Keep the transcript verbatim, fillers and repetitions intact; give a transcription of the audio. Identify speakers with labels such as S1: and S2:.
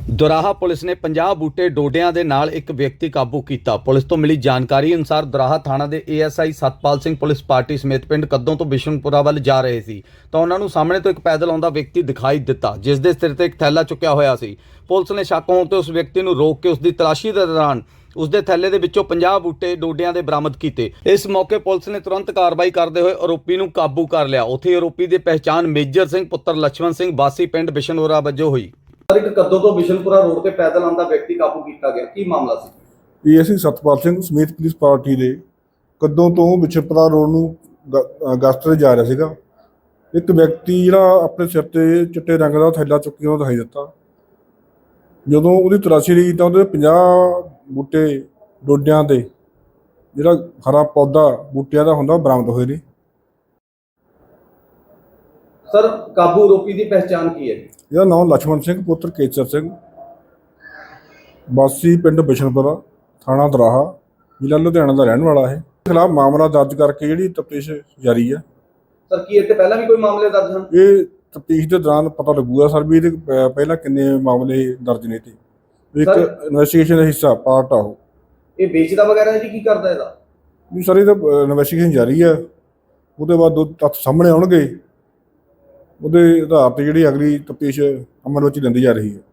S1: ਦੁਰਾਹਾ police ਨੇ ਪੰਜਾਹ ਬੂਟੇ ਡੋਡਿਆਂ ਦੇ ਨਾਲ ਇੱਕ ਵਿਅਕਤੀ ਕਾਬੂ ਕੀਤਾ। ਪੁਲਿਸ ਤੋਂ ਮਿਲੀ ਜਾਣਕਾਰੀ ਅਨੁਸਾਰ ਦੁਰਾਹਾ ਥਾਣਾ ਦੇ A S I Satpal Singh police party ਸਮੇਤ ਪਿੰਡ ਕੱਦੋਂ ਤੋਂ ਬਿਸ਼ਨਪੁਰਾ ਵੱਲ ਜਾ ਰਹੇ ਸੀ ਤਾਂ ਉਹਨਾਂ ਨੂੰ ਸਾਹਮਣੇ ਤੋਂ ਇੱਕ ਪੈਦਲ ਆਉਂਦਾ ਵਿਅਕਤੀ ਦਿਖਾਈ ਦਿੱਤਾ, ਜਿਸ ਦੇ ਸਿਰ ਤੇ ਇੱਕ ਥੈਲਾ ਚੁੱਕਿਆ ਹੋਇਆ ਸੀ। ਪੁਲਿਸ ਨੇ ਸ਼ੱਕ ਹੋਣ ਤੇ ਉਸ ਵਿਅਕਤੀ ਨੂੰ ਰੋਕ ਕੇ ਉਸ ਦੀ ਤਲਾਸ਼ੀ ਦੇ ਦੌਰਾਨ ਉਸ ਦੇ ਥੈਲੇ ਦੇ ਵਿੱਚੋਂ ਪੰਜਾਹ ਬੂਟੇ ਡੋਡਿਆਂ ਦੇ ਬਰਾਮਦ ਕੀਤੇ। ਇਸ ਮੌਕੇ ਪੁਲਿਸ ਨੇ ਤੁਰੰਤ ਕਾਰਵਾਈ ਕਰਦੇ ਹੋਏ ਆਰੋਪੀ ਨੂੰ ਕਾਬੂ ਕਰ ਲਿਆ। ਉੱਥੇ ਆਰੋਪੀ ਦੀ ਪਹਿਚਾਣ ਮੇਜਰ ਸਿੰਘ ਪੁੱਤਰ ਲਛਮਣ ਸਿੰਘ ਵਾਸੀ ਪਿੰਡ ਬਿਸ਼ਨਪੁਰਾ ਵਜੋਂ ਹੋਈ।
S2: ਇੱਕ ਕੱਦੋਂ ਤੋਂ ਬਿਸ਼ਨਪੁਰਾ ਰੋਡ ਤੇ ਪੈਦਲ ਆਉਂਦਾ ਵਿਅਕਤੀ ਕਾਬੂ ਕੀਤਾ ਗਿਆ, ਕੀ ਮਾਮਲਾ ਸੀ?
S3: ਇਹ ਅਸੀਂ ਸਤਪਾਲ ਸਿੰਘ ਸਮੇਤ ਪੁਲਿਸ ਪਾਰਟੀ ਦੇ ਕੱਦੋਂ ਤੋਂ ਬਿਸ਼ਨਪੁਰਾ ਰੋਡ ਨੂੰ ਗਸਤ ਤੇ ਜਾ ਰਿਹਾ ਸੀਗਾ। ਇੱਕ ਵਿਅਕਤੀ ਜਿਹੜਾ ਆਪਣੇ ਸਿਰ ਤੇ ਚਿੱਟੇ ਰੰਗ ਦਾ ਥੈਲਾ ਚੁੱਕੀ ਉਹ ਦਿਖਾਈ ਦਿੱਤਾ। ਜਦੋਂ ਉਹਦੀ ਤਲਾਸ਼ੀ ਲਈ ਤਾਂ ਉਹਦੇ ਪੰਜਾਹ ਬੂਟੇ ਡੋਡਿਆਂ ਦੇ ਜਿਹੜਾ ਹਰਾ ਪੌਦਾ ਬੂਟਿਆਂ ਦਾ ਹੁੰਦਾ ਬਰਾਮਦ ਹੋਏ ਨੇ।
S2: ਸਰ, ਕਾਬੂ ਆਰੋਪੀ ਦੀ ਪਹਿਚਾਣ ਕੀ ਹੈ?
S3: ਇਹਦਾ ਨਾਮ ਲਛਮਣ ਸਿੰਘ ਪੁੱਤਰ ਕੇਸਰ ਸਿੰਘ ਵਾਸੀ ਪਿੰਡ ਬਿਸ਼ਨਪੁਰਾ ਥਾਣਾ ਦੁਰਾਹਾ ਜ਼ਿਲ੍ਹਾ ਲੁਧਿਆਣਾ ਦਾ ਰਹਿਣ ਵਾਲਾ ਹੈ। ਖਿਲਾਫ ਮਾਮਲਾ ਦਰਜ ਕਰਕੇ ਜਿਹੜੀ ਤਫਤੀਸ਼ ਜਾਰੀ ਹੈ।
S2: ਸਰ, ਕੀ ਇੱਥੇ ਪਹਿਲਾਂ ਵੀ ਕੋਈ ਮਾਮਲੇ ਦਰਜ ਹਨ?
S3: ਇਹ ਤਫਤੀਸ਼ ਦੇ ਦੌਰਾਨ ਪਤਾ ਲੱਗੂਗਾ ਸਰ ਵੀ ਇਹਦੇ ਪਹਿਲਾਂ ਕਿੰਨੇ ਮਾਮਲੇ ਦਰਜ ਨੇ। ਤੇ ਇੱਕ ਇਨਵੈਸਟੀਗੇਸ਼ਨ ਦਾ ਹਿੱਸਾ ਪਾਰਟ ਆ ਉਹ।
S2: ਇਹ ਵੇਚਦਾ ਵਗੈਰਾ ਹੈ ਜੀ, ਕੀ ਕਰਦਾ ਇਹਦਾ?
S3: ਵੀ ਸਰ ਇਹਦਾ ਇਨਵੈਸਟੀਗੇਸ਼ਨ ਜਾਰੀ ਹੈ। ਉਹਦੇ ਬਾਅਦ ਦੋ ਤੱਥ ਸਾਹਮਣੇ ਆਉਣਗੇ, ਉਹਦੇ ਆਧਾਰ ਤੇ ਜਿਹੜੀ ਅਗਲੀ ਤਫਤੀਸ਼ ਅਮਲ ਵਿੱਚ ਲੈਂਦੀ ਜਾ ਰਹੀ ਹੈ।